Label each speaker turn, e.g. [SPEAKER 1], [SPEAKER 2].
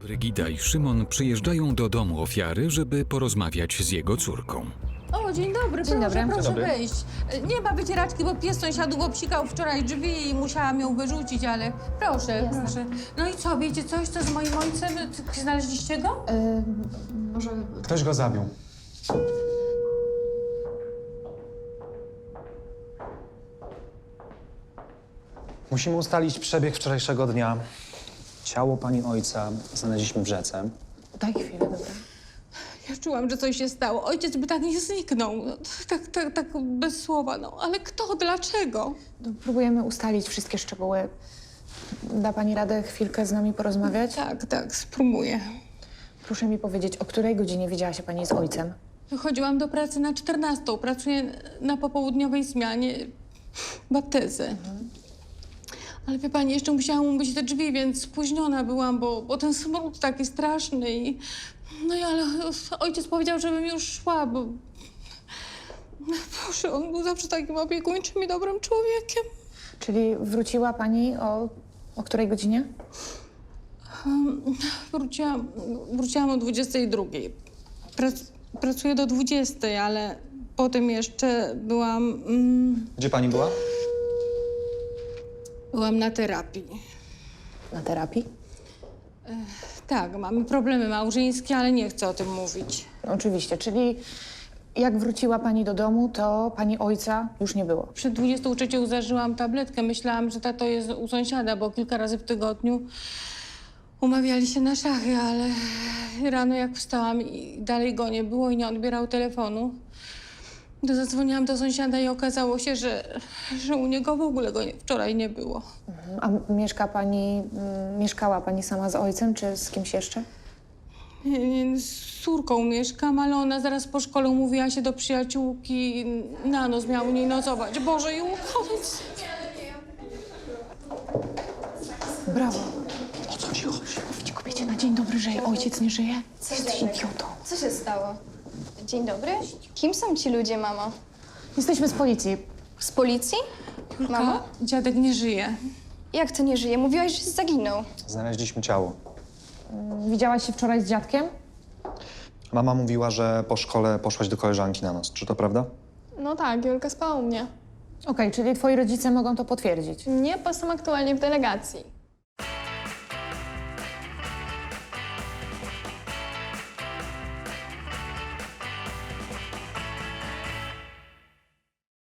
[SPEAKER 1] Brygida i Szymon przyjeżdżają do domu ofiary, żeby porozmawiać z jego córką.
[SPEAKER 2] O, dzień dobry,
[SPEAKER 3] Dzień
[SPEAKER 2] proszę,
[SPEAKER 3] dobry.
[SPEAKER 2] proszę
[SPEAKER 3] Dzień dobry.
[SPEAKER 2] wejść. Nie ma wycieraczki, bo pies sąsiadów obsikał wczoraj drzwi i musiałam ją wyrzucić, ale proszę,
[SPEAKER 3] Jasne.
[SPEAKER 2] proszę. No i co, wiecie coś, co z moim ojcem? Znaleźliście go?
[SPEAKER 3] Może...
[SPEAKER 4] Ktoś go zabił. Musimy ustalić przebieg wczorajszego dnia. Ciało pani ojca znaleźliśmy w rzece.
[SPEAKER 3] Daj chwilę, dobra.
[SPEAKER 2] Ja czułam, że coś się stało. Ojciec by tak nie zniknął. No, tak bez słowa, no. Ale kto, dlaczego?
[SPEAKER 3] No, próbujemy ustalić wszystkie szczegóły. Da pani radę chwilkę z nami porozmawiać?
[SPEAKER 2] Tak, spróbuję.
[SPEAKER 3] Proszę mi powiedzieć, o której godzinie widziała się pani z ojcem?
[SPEAKER 2] Wychodziłam do pracy na 14. Pracuję na popołudniowej zmianie baptyzy. Ale wie pani, jeszcze musiałam umyć te drzwi, więc spóźniona byłam, bo ten smród taki straszny i... No i ale ojciec powiedział, żebym już szła, bo... Boże, on był zawsze takim opiekuńczym i dobrym człowiekiem.
[SPEAKER 3] Czyli wróciła pani o której godzinie?
[SPEAKER 2] Wróciłam o 22. Pracuję do 20, ale potem jeszcze byłam...
[SPEAKER 4] Gdzie pani była?
[SPEAKER 2] byłam na terapii.
[SPEAKER 3] Na terapii?
[SPEAKER 2] Tak, mamy problemy małżeńskie, ale nie chcę o tym mówić.
[SPEAKER 3] No, oczywiście, czyli jak wróciła pani do domu, to pani ojca już nie było.
[SPEAKER 2] Przed 23 zażyłam tabletkę. Myślałam, że tato jest u sąsiada, bo kilka razy w tygodniu umawiali się na szachy, ale rano jak wstałam i dalej go nie było i nie odbierał telefonu, to zadzwoniłam do sąsiada i okazało się, że u niego w ogóle go wczoraj nie było.
[SPEAKER 3] A mieszkała pani sama z ojcem, czy z kimś jeszcze?
[SPEAKER 2] Nie, z córką mieszkam, ale ona zaraz po szkole umówiła się do przyjaciółki. Na noc miała u niej nocować. Boże, i uchodź.
[SPEAKER 3] Brawo. O co ci chodzi? Mówić kobiecie na dzień dobry, że jej ojciec nie żyje? Jesteś idiotą.
[SPEAKER 5] Co się stało? Dzień dobry. Kim są ci ludzie, mamo?
[SPEAKER 3] Jesteśmy z policji.
[SPEAKER 5] Z policji? Mamo?
[SPEAKER 2] Dziadek nie żyje.
[SPEAKER 5] Jak to nie żyje? Mówiłaś, że zaginął.
[SPEAKER 4] Znaleźliśmy ciało.
[SPEAKER 3] Widziałaś się wczoraj z dziadkiem?
[SPEAKER 4] Mama mówiła, że po szkole poszłaś do koleżanki na noc. Czy to prawda?
[SPEAKER 6] No tak, Julka spała u mnie.
[SPEAKER 3] Okej, czyli twoi rodzice mogą to potwierdzić.
[SPEAKER 6] Nie, bo są aktualnie w delegacji.